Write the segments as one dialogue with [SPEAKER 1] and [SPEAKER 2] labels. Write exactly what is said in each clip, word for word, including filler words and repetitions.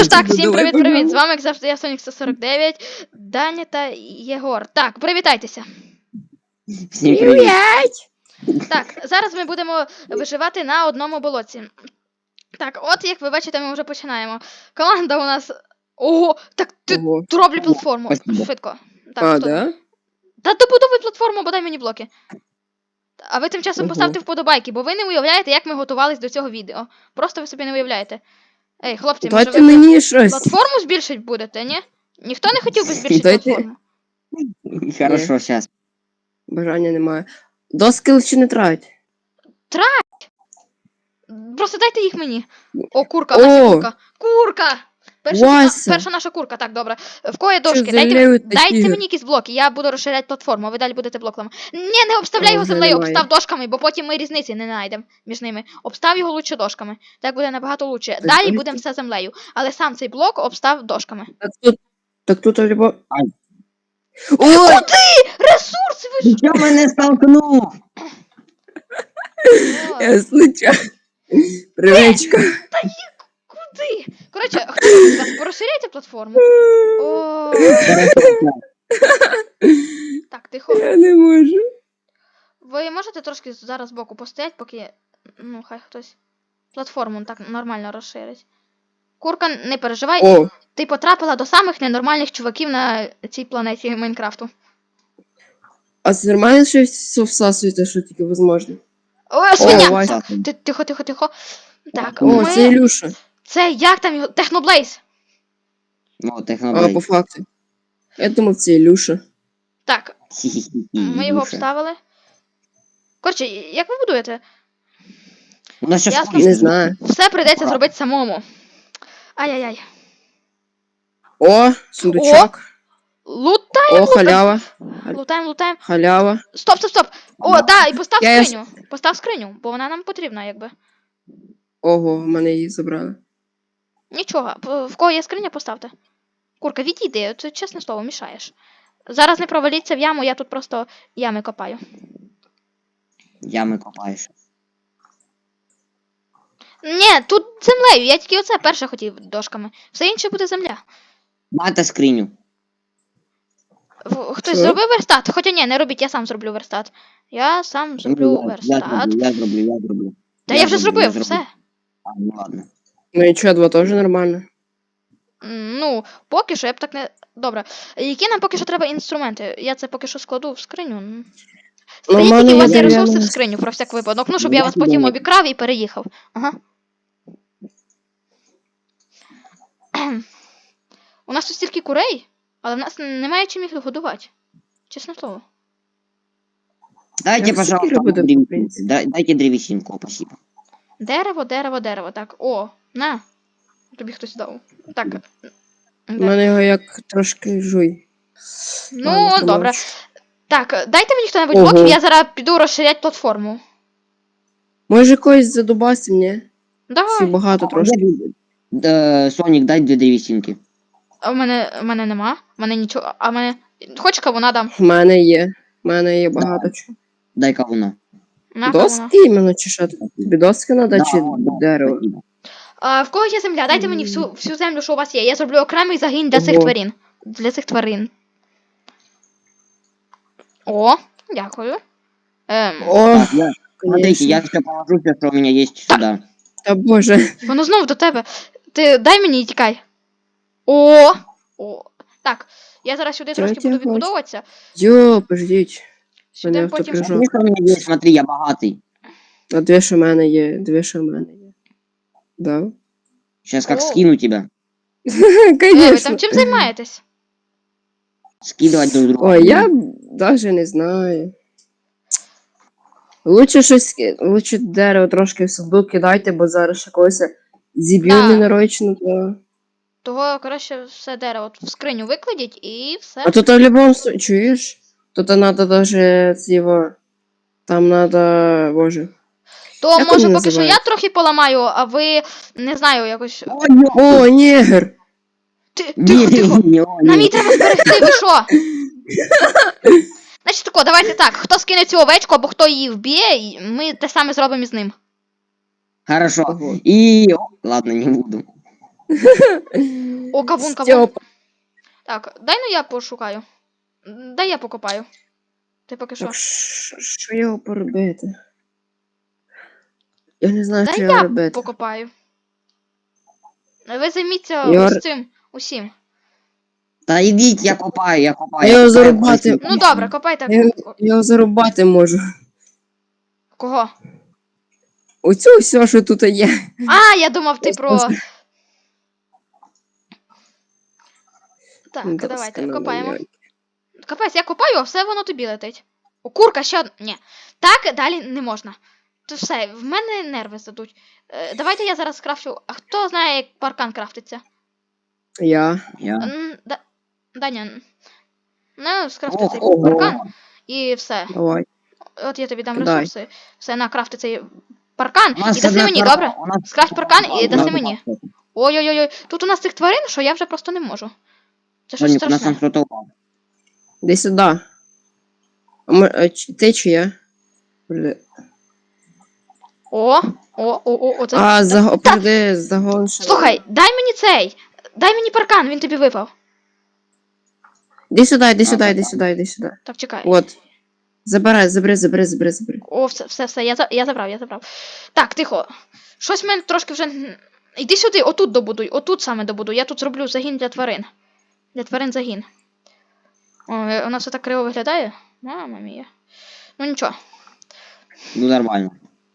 [SPEAKER 1] Тож так, всім
[SPEAKER 2] Давай,
[SPEAKER 1] привіт-привіт! З
[SPEAKER 2] пожалуйста.
[SPEAKER 1] вами, як завжди, я Сонік сто сорок дев'ять, Даня та Єгор. Так, привітайтеся.
[SPEAKER 3] Всім привіт.
[SPEAKER 1] Так, зараз ми будемо виживати на одному болоті. Так, от як ви бачите, ми вже починаємо. Команда у нас. Ого, так ти
[SPEAKER 2] Ого.
[SPEAKER 1] роблю платформу.
[SPEAKER 3] Спасибо.
[SPEAKER 1] Швидко. Так,
[SPEAKER 2] А,
[SPEAKER 1] хто?
[SPEAKER 2] да?
[SPEAKER 1] Та добудовуй платформу, бодай мені блоки. А ви тим часом
[SPEAKER 2] Ого.
[SPEAKER 1] поставте вподобайки, бо ви не уявляєте, як ми готувались до цього відео. Просто ви собі не уявляєте. Ей, хлопці, може
[SPEAKER 2] Дайте
[SPEAKER 1] ви
[SPEAKER 2] мені щось.
[SPEAKER 1] платформу збільшить будете, ні? Ніхто не хотів би збільшити
[SPEAKER 2] Дайте-
[SPEAKER 1] платформу?
[SPEAKER 3] Хорошо, сейчас.
[SPEAKER 2] Бажання немає. Доски лише не трать.
[SPEAKER 1] Просто дайте їх мені. О, курка, Вася,
[SPEAKER 2] О!
[SPEAKER 1] курка. Курка! Перша,
[SPEAKER 2] Вася!
[SPEAKER 1] перша наша курка, так, добре. В кого є дошки?
[SPEAKER 2] Що
[SPEAKER 1] Дайте,
[SPEAKER 2] землею та
[SPEAKER 1] дайте
[SPEAKER 2] снігом?
[SPEAKER 1] мені якісь блоки, я буду розширяти платформу, а ви далі будете блоками. Ні, не обставляй
[SPEAKER 2] О,
[SPEAKER 1] його
[SPEAKER 2] вже
[SPEAKER 1] землею,
[SPEAKER 2] немає.
[SPEAKER 1] обстав дошками, бо потім ми різниці не знайдемо між ними. Обстав його лучше дошками. Так буде набагато лучше.
[SPEAKER 2] Так,
[SPEAKER 1] Далі
[SPEAKER 2] ой.
[SPEAKER 1] будемо все землею. Але сам цей блок обстав дошками.
[SPEAKER 2] Так тут, так тут або...
[SPEAKER 3] Ай.
[SPEAKER 2] Ой!
[SPEAKER 1] Ресурси ви ж!
[SPEAKER 3] Я мене столкнув.
[SPEAKER 2] Я случайно. Привичка.
[SPEAKER 1] Куди? Коротше, хто з вас порозширяйте платформу? О, так, тихо.
[SPEAKER 2] Я не можу.
[SPEAKER 1] Ви можете трошки зараз збоку постоять, поки. Ну, хай хтось платформу так нормально розширить. Курка, не переживай,
[SPEAKER 2] О,
[SPEAKER 1] ти потрапила до самих ненормальних чуваків на цій планеті Майнкрафту.
[SPEAKER 2] а це нормально, що все всасуєте, що тільки можливо?
[SPEAKER 1] О, свиня!
[SPEAKER 2] О, Вася.
[SPEAKER 1] Ти- Тихо, тихо, тихо. Так,
[SPEAKER 2] О,
[SPEAKER 1] ми...
[SPEAKER 2] це Ілюша.
[SPEAKER 1] Це як там його? Техноблейз.
[SPEAKER 3] Ну,
[SPEAKER 2] А,
[SPEAKER 3] техноблейд.
[SPEAKER 2] по факту. Я думав, це Ілюша.
[SPEAKER 1] Так, ми його обставили. Коротше, як ви будуєте?
[SPEAKER 3] У нас сейчас
[SPEAKER 1] Ясно.
[SPEAKER 2] Не знаю.
[SPEAKER 1] Все прийдеться зробити самому. Ай-яй-яй.
[SPEAKER 2] О, сундучок.
[SPEAKER 1] Лутаємо,
[SPEAKER 2] О, халява.
[SPEAKER 1] лутаємо, лутаємо.
[SPEAKER 2] Халява.
[SPEAKER 1] Стоп, стоп, стоп! О, да, і постав
[SPEAKER 2] Я-
[SPEAKER 1] скриню. Постав скриню, бо вона нам потрібна, якби.
[SPEAKER 2] Ого, в мене її забрали.
[SPEAKER 1] Нічого, п- в кого є скриня, поставте. Курка, відійди, це чесне слово, мішаєш. Зараз не проваліться в яму, я тут просто ями копаю.
[SPEAKER 3] Ями копаєш.
[SPEAKER 1] Ні, тут землею, я тільки оце перше хотів дошками. Все інше буде земля.
[SPEAKER 3] Мати скриню.
[SPEAKER 1] В- Хтось
[SPEAKER 2] Що?
[SPEAKER 1] зробив верстат? Хоча ні, не робіть, я сам зроблю верстат. Я сам зроблю
[SPEAKER 3] Ну, я- Я
[SPEAKER 1] верстат.
[SPEAKER 3] зроблю, я зроблю, я зроблю.
[SPEAKER 1] Та я вже
[SPEAKER 3] зроблю,
[SPEAKER 1] зробив,
[SPEAKER 3] я
[SPEAKER 1] все.
[SPEAKER 3] А, ну ладно.
[SPEAKER 2] Ну і чого, два теж нормально.
[SPEAKER 1] М, Ну, поки що я б так не. Добре. Які нам поки що треба інструменти? Я це поки що складу в скриню. М.
[SPEAKER 2] Ну, в
[SPEAKER 1] Скажіть,
[SPEAKER 2] мене
[SPEAKER 1] які у
[SPEAKER 2] є
[SPEAKER 1] вас є ресурси в
[SPEAKER 2] дерев'яна
[SPEAKER 1] скриню про всяк випадок. Ну, щоб
[SPEAKER 3] Ну,
[SPEAKER 1] я
[SPEAKER 3] я
[SPEAKER 1] вас
[SPEAKER 3] сюди
[SPEAKER 1] потім
[SPEAKER 3] не-
[SPEAKER 1] обікрав і переїхав. Ага. У нас тут стільки курей, але в нас немає чим їх годувати. Чесне слово.
[SPEAKER 3] Дайте,
[SPEAKER 2] Я
[SPEAKER 3] пожалуйста,
[SPEAKER 2] сокиру буду, в
[SPEAKER 3] древесинку.
[SPEAKER 2] принципі.
[SPEAKER 3] Дай- Дайте древесинку, спасибо.
[SPEAKER 1] Дерево, дерево, дерево. Так, о, на. Тобі хтось дав. Так.
[SPEAKER 2] У
[SPEAKER 1] де?
[SPEAKER 2] мене його як трошки жуй.
[SPEAKER 1] Ну,
[SPEAKER 2] Ладно,
[SPEAKER 1] добре.
[SPEAKER 2] промовчу.
[SPEAKER 1] Так, дайте мені хто-небудь
[SPEAKER 2] Ого.
[SPEAKER 1] блоків, я зараз піду розширяти платформу.
[SPEAKER 2] Може когось задубасим, ні? Всі
[SPEAKER 1] Давай.
[SPEAKER 2] багато трошки.
[SPEAKER 3] Да, Сонік, дай дві древесинки.
[SPEAKER 1] А в мене, в мене нема. В мене нічого. А в мене. Хочеш кавуна дам?
[SPEAKER 2] В мене є. В мене є багато чого.
[SPEAKER 3] Дай кавуна.
[SPEAKER 1] На кавуна.
[SPEAKER 2] Доски іменно чи що? Тобі доски треба
[SPEAKER 3] Да,
[SPEAKER 2] чи
[SPEAKER 3] да,
[SPEAKER 2] дерево?
[SPEAKER 3] спасибо.
[SPEAKER 1] А, в кого є земля? Дайте мені всю, всю землю, що у вас є. Я зроблю окремий загін для цих
[SPEAKER 2] Ого.
[SPEAKER 1] тварин. Для цих тварин. О, дякую. Ем,
[SPEAKER 2] О,
[SPEAKER 3] Так, я, смотрите,
[SPEAKER 2] конечно.
[SPEAKER 3] я все положу, все, что у меня есть сюда.
[SPEAKER 2] Та боже.
[SPEAKER 1] воно знову до тебе. Ти дай мені і тікай. О! О! Так, я зараз сюди
[SPEAKER 2] Чого
[SPEAKER 1] трошки
[SPEAKER 2] тебе
[SPEAKER 1] буду відбудовуватися.
[SPEAKER 2] Йо, пождіть.
[SPEAKER 1] Сюди
[SPEAKER 2] Мене
[SPEAKER 1] потім.
[SPEAKER 2] автоприжок.
[SPEAKER 3] Смотри, что у меня есть, смотри, я богатый.
[SPEAKER 2] А дві що в мене є, дві що в мене є. Да?
[SPEAKER 3] Сейчас как
[SPEAKER 1] О.
[SPEAKER 3] скину тебя.
[SPEAKER 1] Е, ви
[SPEAKER 2] Конечно.
[SPEAKER 1] там чим займаєтесь?
[SPEAKER 3] Скидывать друг друга.
[SPEAKER 2] Ой, я даже не знаю. Лучше щось, ки- лучше дерево трошки в саду кидайте, бо зараз ще когось зіб'ю
[SPEAKER 1] Да.
[SPEAKER 2] ненарочно, то...
[SPEAKER 1] Того краще все дерево в скриню викладіть і все.
[SPEAKER 2] А тут в любом случае, чуєш? Тут надо даже цього... Там надо, боже.
[SPEAKER 1] То
[SPEAKER 2] як
[SPEAKER 1] може
[SPEAKER 2] воно
[SPEAKER 1] поки що я
[SPEAKER 2] називається?
[SPEAKER 1] трохи поламаю, а ви не знаю, якось.
[SPEAKER 3] Ой, ё-
[SPEAKER 2] О, негр!
[SPEAKER 1] Ти, тихо, тихо.
[SPEAKER 3] Не,
[SPEAKER 1] Нам її
[SPEAKER 3] не.
[SPEAKER 1] треба зберегти, ви що? Значить тако, давайте так. Хто скине цю овечку або хто її вб'є, і ми те саме зробимо із ним.
[SPEAKER 3] Хорошо.
[SPEAKER 2] Ого.
[SPEAKER 3] И... Ладно, не буду.
[SPEAKER 1] О, кавун, кавун.
[SPEAKER 2] Стьопа.
[SPEAKER 1] Так, дай ну я пошукаю. Дай я покопаю. Ти поки що.
[SPEAKER 2] Так, що що його поробити? Я не знаю,
[SPEAKER 1] Дай
[SPEAKER 2] що його
[SPEAKER 1] я
[SPEAKER 2] робити.
[SPEAKER 1] покопаю. Ви займіться
[SPEAKER 2] Я-
[SPEAKER 1] ось цим усім.
[SPEAKER 3] Та йдіть, я копаю, я копаю.
[SPEAKER 2] Я його
[SPEAKER 3] копаю,
[SPEAKER 2] зарубати.
[SPEAKER 3] подождіть.
[SPEAKER 1] Ну добре, копайте.
[SPEAKER 2] Я, його- я його зарубати можу.
[SPEAKER 1] Кого?
[SPEAKER 2] Оцю все, що тут є.
[SPEAKER 1] А, я думав, ти про.
[SPEAKER 2] Просто-
[SPEAKER 1] Так,
[SPEAKER 2] Доска
[SPEAKER 1] давайте,
[SPEAKER 2] на
[SPEAKER 1] копаємо.
[SPEAKER 2] луньоньки.
[SPEAKER 1] Капець, я копаю, а все воно тобі летить. О, курка, ще одна. Ні. Так далі не можна. То все, в мене нерви здадуть. Е, давайте я зараз скрафчу. А хто знає, як паркан крафтиться?
[SPEAKER 2] Я.
[SPEAKER 3] Я.
[SPEAKER 1] М, Да... Даня. Ну, скрафти
[SPEAKER 3] Ох,
[SPEAKER 1] цей
[SPEAKER 2] ого.
[SPEAKER 1] паркан. І все.
[SPEAKER 2] Давай.
[SPEAKER 1] От я тобі дам
[SPEAKER 2] Кидай.
[SPEAKER 1] ресурси. Все, на, крафти цей паркан.
[SPEAKER 3] У нас
[SPEAKER 1] І даси
[SPEAKER 3] одна
[SPEAKER 1] мені,
[SPEAKER 3] карта,
[SPEAKER 1] добре?
[SPEAKER 3] у нас-
[SPEAKER 1] Скрафт паркан і даси
[SPEAKER 3] Ладно,
[SPEAKER 1] мені. Ой-ой-ой, тут у нас цих тварин, що я вже просто не можу. Це щось
[SPEAKER 3] Соник, у нас там
[SPEAKER 1] страшне.
[SPEAKER 3] кто-то упал.
[SPEAKER 2] Іди сюди. А мо- а чи- Ти чи я? Бля.
[SPEAKER 1] О, о, о, о, о, це.
[SPEAKER 2] А,
[SPEAKER 1] та-
[SPEAKER 2] за...
[SPEAKER 1] та-
[SPEAKER 2] перди, загон ще.
[SPEAKER 1] Слухай, дай мені цей. Дай мені паркан, він тобі випав.
[SPEAKER 2] Іди сюди, іди
[SPEAKER 3] А,
[SPEAKER 2] сюди, іди
[SPEAKER 3] так.
[SPEAKER 2] сюди, іди сюди.
[SPEAKER 1] Так, чекай.
[SPEAKER 2] От. Забирай, забери, забери, забери, забери.
[SPEAKER 1] О, все, все, все, я, за- я забрав, я забрав. Так, тихо. Щось в мене трошки вже. н- Іди сюди, отут добудуй, отут саме добудуй. Я тут зроблю загін для тварин. Для тварин загін. О, е, у нас все так криво виглядає. Мама мія. Ну нічого.
[SPEAKER 3] Ну, нормально.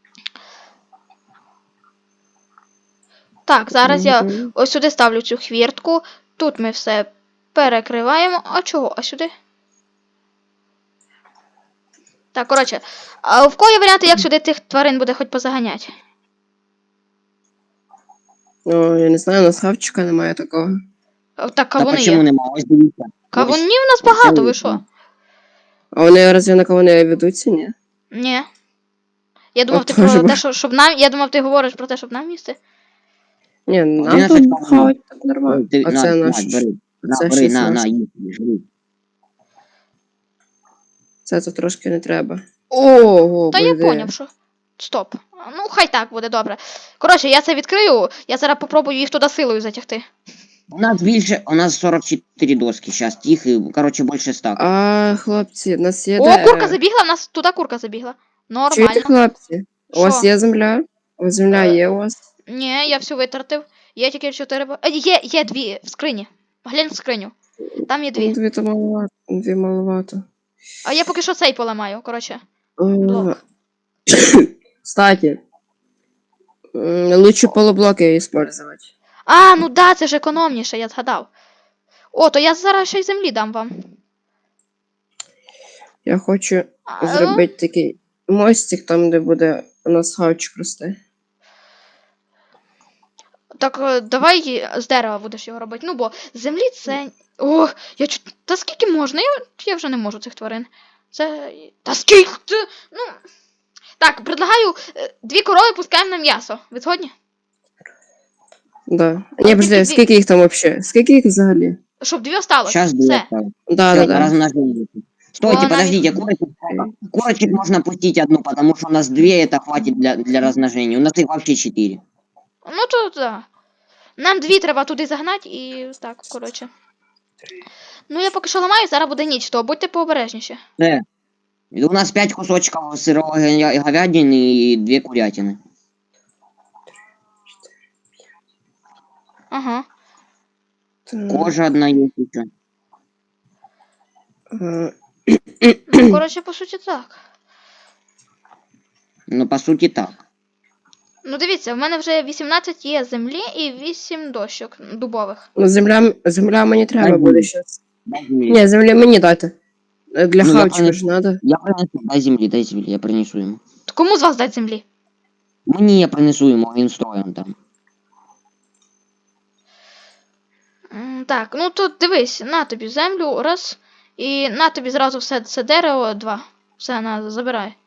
[SPEAKER 1] Так, зараз я
[SPEAKER 2] Мгм.
[SPEAKER 1] ось сюди ставлю цю хвіртку. Тут ми все перекриваємо. А чого? А сюди? Так, коротше. А в кого є варіанти, як сюди тих тварин буде хоч позаганяти?
[SPEAKER 2] Ну, я не знаю, у нас хавчика немає такого.
[SPEAKER 1] О, Так,
[SPEAKER 3] Та
[SPEAKER 1] кавуни
[SPEAKER 3] почему
[SPEAKER 1] є.
[SPEAKER 3] нема? Ось дивіться.
[SPEAKER 1] Кавунів у нас
[SPEAKER 3] ось
[SPEAKER 1] багато, ви
[SPEAKER 3] ось.
[SPEAKER 1] що?
[SPEAKER 2] А вони разве на кого не ведуться, ні?
[SPEAKER 1] Ні. Я думав, ти
[SPEAKER 2] От теж
[SPEAKER 1] про
[SPEAKER 2] б-
[SPEAKER 1] те, що, щоб нам. Я думав, ти говориш про те, щоб нам їсти.
[SPEAKER 2] Ні, нам
[SPEAKER 3] Одинадцять
[SPEAKER 2] тут
[SPEAKER 3] кавунів.
[SPEAKER 2] хавать так нормально.
[SPEAKER 3] Ой, ти,
[SPEAKER 2] А
[SPEAKER 3] на,
[SPEAKER 2] це
[SPEAKER 3] на,
[SPEAKER 2] наш.
[SPEAKER 3] бери. На,
[SPEAKER 2] це
[SPEAKER 3] бери, на, на,
[SPEAKER 2] шістнадцять.
[SPEAKER 3] їсть, жри.
[SPEAKER 2] Це тут трошки не треба. Ого,
[SPEAKER 1] Та я
[SPEAKER 2] буде.
[SPEAKER 1] поняв, що. Стоп. Ну, хай так буде добре. Коротше, я це відкрию, я зараз попробую їх туди силою затягти.
[SPEAKER 3] У нас більше, у нас сорок чотири доски сейчас, тихо, короче, більше ста.
[SPEAKER 2] А, хлопці, в нас є
[SPEAKER 1] О,
[SPEAKER 2] де...
[SPEAKER 1] курка забігла, в нас туди курка забігла.
[SPEAKER 2] Чуєте,
[SPEAKER 1] Нормально.
[SPEAKER 2] хлопці? У вас
[SPEAKER 1] Що?
[SPEAKER 2] є земля? У вас земля
[SPEAKER 1] Е,
[SPEAKER 2] є у вас?
[SPEAKER 1] Ні, я всю витратив. Є тільки чотири. бо- Е, Є, є дві в скрині. Глянь в скриню. Там є
[SPEAKER 2] Ну,
[SPEAKER 1] дві.
[SPEAKER 2] Дві то маловато. Дві маловато.
[SPEAKER 1] А я поки що цей поламаю, коротше.
[SPEAKER 2] А,
[SPEAKER 1] Блок.
[SPEAKER 2] Кстати, м, лучше полублоки использовать.
[SPEAKER 1] А, ну да, це ж економніше, я згадав. О, то я зараз ще й землі дам вам.
[SPEAKER 2] Я хочу
[SPEAKER 1] А,
[SPEAKER 2] зробити такий мостик там, де буде у нас хавчик рости.
[SPEAKER 1] Так, е, давай з дерева будеш його робити. Ну, бо з землі це. О, я чу... Та скільки можна? Я, я вже не можу цих тварин. Це. Та скільки? ти- Ну. Так, предлагаю е, дві корови пускаємо на м'ясо. Ви згодні?
[SPEAKER 2] Да.
[SPEAKER 1] А
[SPEAKER 2] Ні, подожди,
[SPEAKER 1] тільки дві.
[SPEAKER 2] скільки їх там вообще? Скільки їх взагалі?
[SPEAKER 1] Щоб дві осталось.
[SPEAKER 3] Сейчас
[SPEAKER 1] Все.
[SPEAKER 3] будет.
[SPEAKER 2] Да, да, да.
[SPEAKER 3] Размножение. Стойте,
[SPEAKER 1] Вон
[SPEAKER 3] подождите, курочек, курочек можно пустить одну, потому что у нас две, это хватит для, для размножения. У нас их вообще четыре.
[SPEAKER 1] Ну то да. Нам дві треба туди загнати і так, коротше. Ну я поки що ламаю, зараз буде ніч, то будьте пообережніші.
[SPEAKER 3] Да. И у нас пять кусочков сырого говя- говядины и две курятины.
[SPEAKER 1] Ага.
[SPEAKER 2] Так,
[SPEAKER 3] Кожа одна есть еще.
[SPEAKER 2] а,
[SPEAKER 1] Ну, коротше, по суті, так.
[SPEAKER 3] Ну, по сути, так.
[SPEAKER 1] Ну дивіться, в мене вже вісімнадцять є землі і вісім дощок дубових.
[SPEAKER 2] Ну, земля, земля мені треба
[SPEAKER 3] Дай
[SPEAKER 2] буде
[SPEAKER 3] мені.
[SPEAKER 2] щас.
[SPEAKER 3] Дай земли.
[SPEAKER 2] Ні, землі мені дайте. Е, Для
[SPEAKER 3] Ну, я
[SPEAKER 2] хавчика
[SPEAKER 3] понял.
[SPEAKER 2] ж надо.
[SPEAKER 3] Я принесу, дай земли, дай земли, я принесу ему.
[SPEAKER 1] То кому з вас дать землі?
[SPEAKER 3] Мне я принесу ему, він стоїть там.
[SPEAKER 1] М, Так, ну тут дивись, на тобі землю, раз. І на тобі зразу все це дерево, два. Все, на, забирай.